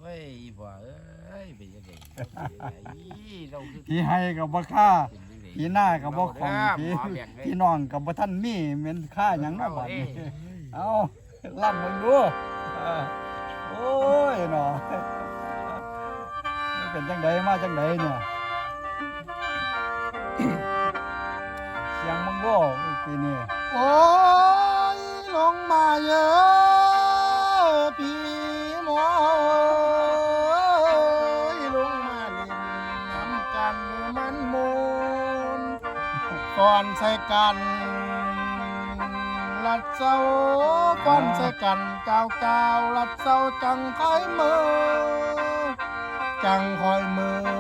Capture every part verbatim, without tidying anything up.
อ้ยบ่เอ้ยเป็นยังไงเราคือผีให้กับบ่ค่าผีหน้ากับบ่ของผีพี่น้องกับบ่ท่านมีเหม็นค่าหยังเนาะบัดนี้เอาล่ำมึงดูโอ้ยเนาะเป็นจังไดมาจังไดเนี่ยเสียงมึงบ่ปีนี้โอ้ยลงมาเยอะพี่หมอลงมาเล่นน้ำกันมันมูนก่อนใส่กันลัดเศร้าก่อนใส่กันก้าวก้าวลัดเศร้าจังคอยมือจังคอยมือ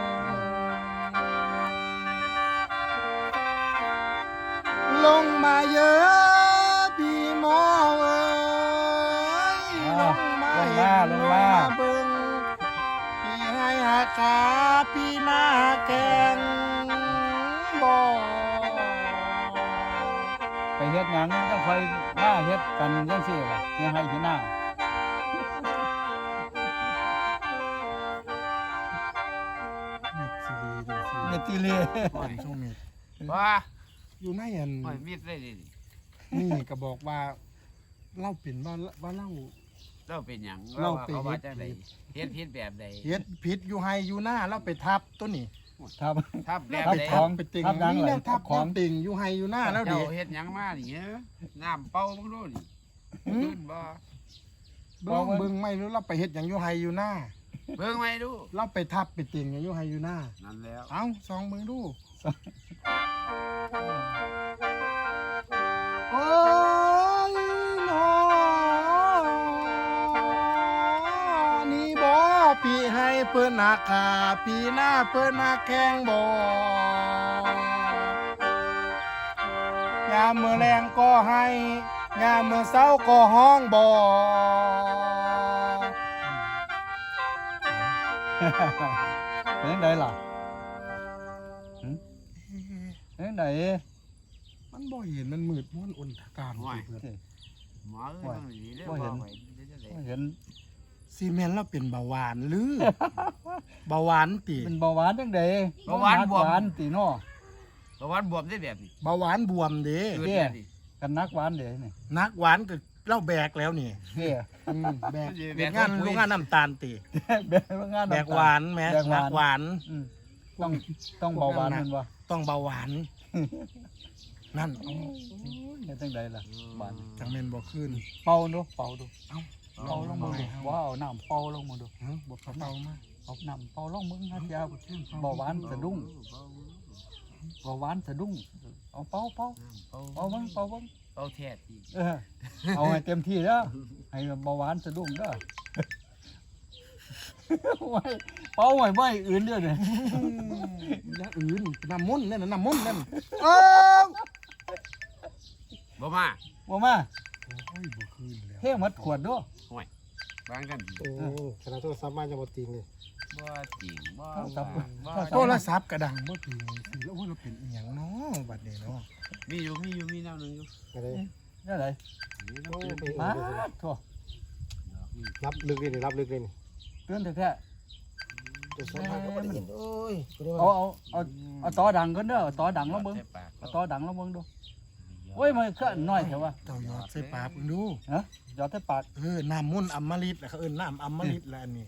ลงมาเยอะพี่หมอเอ้ยลงมาเห็นลงมาเบิ่งพี่ให้หาขาพี่หน้าแกงบ่ไปเฮ็ดหยังจังค่อยมาเฮ็ดกันจังซี่ล่ะเฮ็ดให้พี่หน้าเม็ดซีรีส์จังซี่เมติเลก่อนช่วงเม็ดว่าอยู่ในอันหอยมีดได้ดินี่ก็บอกว่าเล่าเป็นว่าว่าเล่าเราเป็นหยังเราเป็นเขาว่าจังไดเฮ็ดผิดแบบใดเฮ็ดผิดอยู่ไฮอยู่หน้าเราไปทับตัวนี้ครับทับแบบทับใดของไปติ่งทับหยังนี่เหรอแหละทับทับขขออง งติ่งอยู่ไฮอยู่หน้าแล้วดิเจ้าเฮ็ดหยังมานี่เอ้อน้ำเป่ามึงดูนี่หืมขึ้นบ่เบิ่งเบิ่งไม่รู้เราไปเฮ็ดหยังอยู่ไฮอยู่หน้าเบิ่งไว้ดูเราไปทับไปติ่งหยังอยู่ไฮอยู่หน้านั่นแล้วเอ้าสองเบิ่งดูโอ้ยน้อนี่บ่พี่ให้เพิ่นหาขาพี่หน้าเพิ่นหาแข้งบ่ยามมื้อแรงก็ให้ยามมื้อเช้าก็ห้องบ่เป็นจังไดล่ะหึเป็นจังไดมันบ่เห็นมันมืดม้วนอนทการไปเบิดหมอเอ้ยต้องหนีเด้อบ่เห็นบ่ไว้เดี๋ยวจะได้เห็นซีเมนต์เราเป็นเบาหวานหรือ เบาหวานติเป็นเบาหวานจังไดหวานติเนาะเพราะว่าบวมได้แบบนี้เบาหวานบวมเด้เกิดแบบนี้กันนักหวานเด้นี่นักหวานก็เล่าแบกแล้วนี่เด้อืมแบกแบกงานโรงงานน้ำตาลติแบกงานแบกหวานแหม้แบกหวานันกหวานอืมต้องต้องเบาหวานแม่นบ่ต้องเบาหวาน นั่นเฮ็ดจังไดล่ะหวานจังแม่นบ่ขึ้นเป่าดูเป่าดูเอ้าเป่าลงมือดูว้าวน้ำเป่าลงมือดูเอ้าบ่เขาเบามาเอาน้ำเป่าลงมือนะยาเบาหวานสะดุ้งเบาหวานสะดุ้งเอาเป่าเป่าเป่าเป่าเบิ่งเป่าเบิ่งเป่าแท้ที่เออเอาให้เต็มที่เด้อให้เบาหวานสะดุ้งเด้อไว้เป่าไว้ไว้อื่นเด้อเนี่ยอย่างอื่นน้ำมนต์นั่นน่ะน้ำมนต์นั่นเอ้าบ่มาบ่มาโอ้ยบ่ขึ้นแล้วเทหมดขวดเด้อบางกันโอ้ขนาดโทรศัพท์มาจะบ่ติงเลยบ่จริงบ่โทรศัพท์กระดังบ่ถึงสิแล้วโอ้ยเราเป็นอีหยังเนาะบัดนี้เนาะมีอยู่มีอยู่มีแนวหนึงอยู่อะไรนั่นไดโอ้ยไปมาโถ่รับลึกเลยนี่รับลึกเลยนี่เตือนแท้ตัวสัมภาษณ์ก็บ่ได้ยินโอ้ยบ่ได้ๆว่าเอาเอาเอาเอาต่อดังกันเด้อเอาต่อดังลงเบิ่งใส่ปากเอาต่อดังลงเบิ่งดูโอ้ยมันคือน้อยแท้ว่าเจ้ายอดใส่ปากเพิ่งดูฮะยอดแต่ปากเออน้ำมุ่นต์อมฤตแหละเขาเอิ้นน้ำอมฤตแหละอันนี้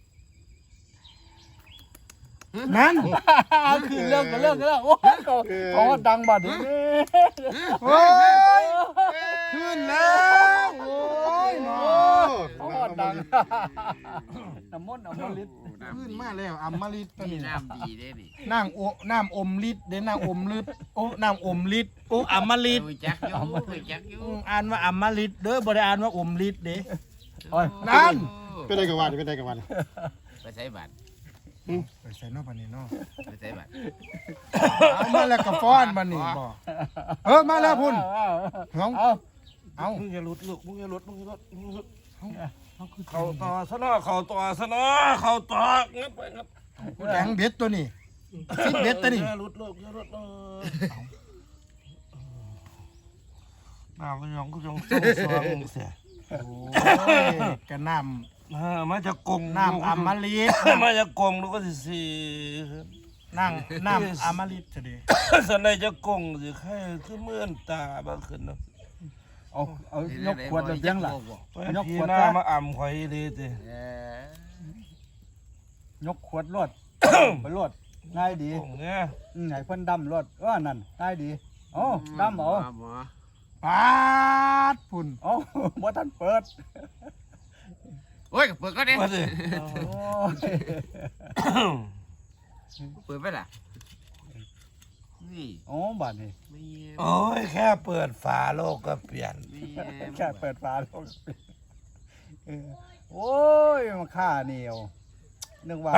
นั่นคือเลิกก็เลิกก็เลิกโอ้ยเขาเขาว่าดังบัดนี้โอ้ยขึ้นแล้วโอ้ยเนาะเขาว่าดังน้ำมนต์อมฤตขึ้นมาแล้วอมฤตตัวมีนี้น้ำดีเด้นี่นางโอน้ำอมฤทธิ์เด้นางอมฤทธิ์โอ้น้ำอมฤทธิ์โอ้อมฤตรู้จักอยู่รู้จักอยู่อืมอ่านว่าอมฤตเด้อบ่ได้อ่านว่าอมฤทธิ์เด้โอ้ยนั่นเป็นได้กับวันเป็นได้กับวันไปใส่บัตรไปใส่เนอกบัดนี้เนาะไปใส่บัตรเอามาแล้วก็ฟ้อนบัดนี้บ่เออมาแล้วพุ่นเอาเฮาเอาเอามึงอย่าหลุดลูกมึงอย่าหลุดมึงอย่าหลุดมึงอย่าหลุดเขาคือเข้าต่อซะเนาะเข้าต่อซะเนาะเข้าต่อเงี้ยไปครับแข็งเบ็ดตัวนี้ซิดเบ็ดตัวนี้อย่าหลุดลูกอย่าหลุดเออน้ำก็ยังก็ยังส่งสว่างเสียโอ้ยกระน้เออมาจากกงน้ำอมฤตมาจากกงแล้วก็สิสีนั่งน้ำอมฤตเฉยสันในจะกงสิใครคือเมื่อนตาบ้าขึ้นเนาะเอาเอายกขวดแบบยังล่ะ ยกพี่ขวดหน้าซะมาอ่ำข่อยดีติเออยกขวดรวด ไปรวดง่ายดีกงเนี่ยอืมให้เพิ่นดำรวดเออนั่นง่ายดีเอ้าดำเอาหมอปาดพุ่นเอ้า บ่ทันเปิดโอ้ยเปิดก็ได้มาสิโอ้ยเปิดไปล่ะนี่โอ้บาดนี้ไม่โอ้ยแค่เปิดฝาโลกก็เปลี่ยนแค่เปิดฝาโลกเออโอ้ยมาฆ่าเหนียวนึกว่า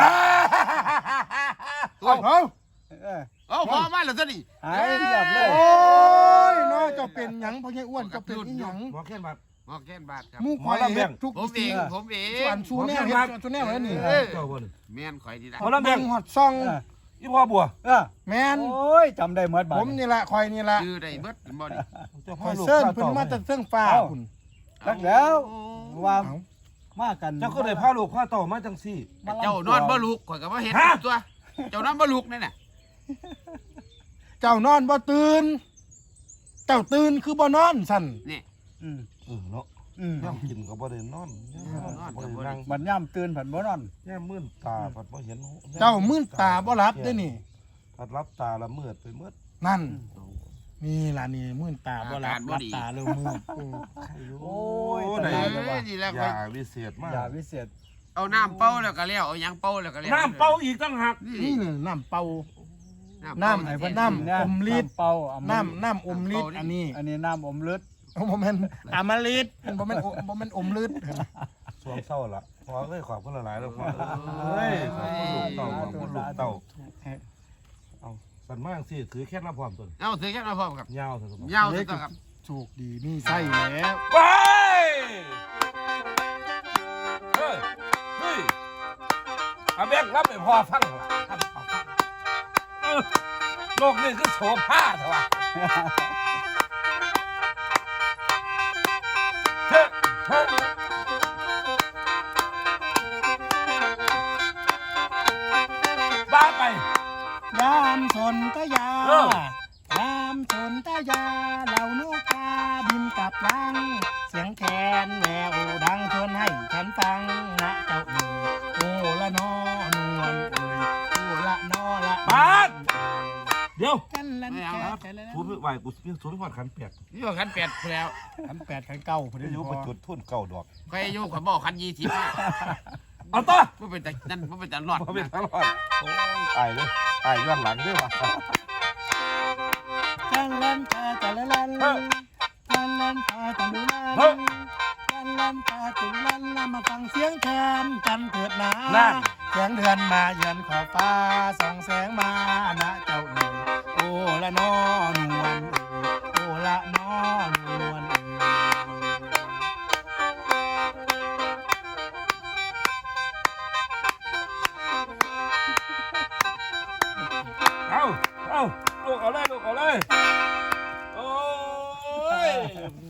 เอาเอาเออเอาพอมาแล้วซะนี่หายเรียบเลยโอ้ยน้อยเจ้าเป็นหยังพ่อใหญ่อ้วนเจ้าเป็นอีหยังหมอแค่บัดหมอแก้นบาทครับหมู่ข่อยเฮ็ดทุกผมเองผมเองส่วนชูแนวเฮ็ดชูแนวแล้วนี่เออเจ้าบ่นแม่นข่อยดีละเอาละแบ่เบิ่งงฮอดซ่องเอออีพ่อบัวเออแม่นโอ้ยจำได้หมดบาดผมนี่ล่ะข่อยนี่ล่ะชื่อได้เบิดบ่ดิเจ้าข่พ่ออยลูกเซิ้นข้เพิ่นต่อมาแต่เทิงฟ้าพุ่นรักแล้วว่าเอ้ามากันเจ้าก็ได้พาลูกข้าต่อมาจังซี่มลำเจ้านอนบ่ลุกข่อยก็บ่เฮ็ดตัว เจ้านอนบ่ลุกนั่นน่ะเจ้านอนบ่ตื่น เจ้าตื่นคือบ่นอนสั่นนี่อืมเออเนาะอืมย่ำกินก็บ่ได้นอนย่ำบ่ได้นั่งบัดย่ำตื่นผันบ่นอนย่ำมื่นตาผัดบ่เห็นเจ้ามื่นตาบ่หลับเด้อนี่ผัดรับตาละมืดไปมืดนั่น นี่ล่ะนี่มื่นตาบ่หลับหลับตาเร็วมืดอืมโอ้ยโอ้ตายได้แล้วว่ะนี่แล้วอข่อยย่าวิเศษมากอย่าวิเศษเอาน้ำเป่าแล้วก็แล้วเอาหยังเป่าแล้วก็แล้วน้ำเป่าอีกตั้งหักนี่เลยน้ำเป่าน้ำน้ำให้ให้เพิ่เพิ่นนน้ำกิเนี่ยอมฤทธิ์น้ำเป่าอมฤทธิ์น้ำน้ำอมฤทธิ์อันนี้อันนี้น้ำอมฤทธิ์บ่แม่นอมฤทธิ์บ่แม่นอบ่แม่นอมฤทธิ์สวงเศร้าละพอเอ้ยขอบคุณหลายๆแล้วพอเอ้ยขอบคุณลูกเต่าขอบคุณลูกเต่าเอาสันมากสิถือแค่น้ำพร้อมตัวเอาถือแค่มาพร้อมครับยาวสุดยาวสุดครับโชคดีมีไส้แล้วไปเฮ้ยเฮ้ยอาแบงรับไปพอฟังเหรอครับเอาฟังเออโลกนี้คือโสภาเถอะวะเฮ้ยเฮ้ยบ้าไปยามสนตยาเออยามสนตยาเหล่านกกาบินกลับลัง เสียงแคนแววดังชวนให้ฉันฟังนะเจ้าเอ๋ยโอ้ละนอนวลเอ๋ยโอ้ละนอละบาส เดี๋ยวกันลันแกกันลันทูบไหวกูเพียงทูบหอดขันเปียกนี่ว่าคันแปดแล้วขันแปดขันเก้าพอดีเดี๋ยวพไปอจุดทุ่นเก่าดอกใครอยู่ข่อยบอกคันยี่สิบเอาต่อบ่เป็นแต่นั่นบ่เป็นแต่รอดมาเป็นตลอดโอ้ยตายเลยตายย้อนหลังด้วยวะจังลันตาจังลันลันเฮ้ยจังลันตาจังลันเฮ้ลัยนจังลันตาจังลันลันมาฟังเสียงแคนกันเถิดนะนั่นเสียงเดือนมาเยือนขอบฟ้าส่องแสงมานะเจ้าเอ๋ยโอ้ละนอนวลเอ๋ยโอ้ละนอนวลเอ๋ยเอาเอาลูกเอาเลยลูกเอาเลยโอ้ย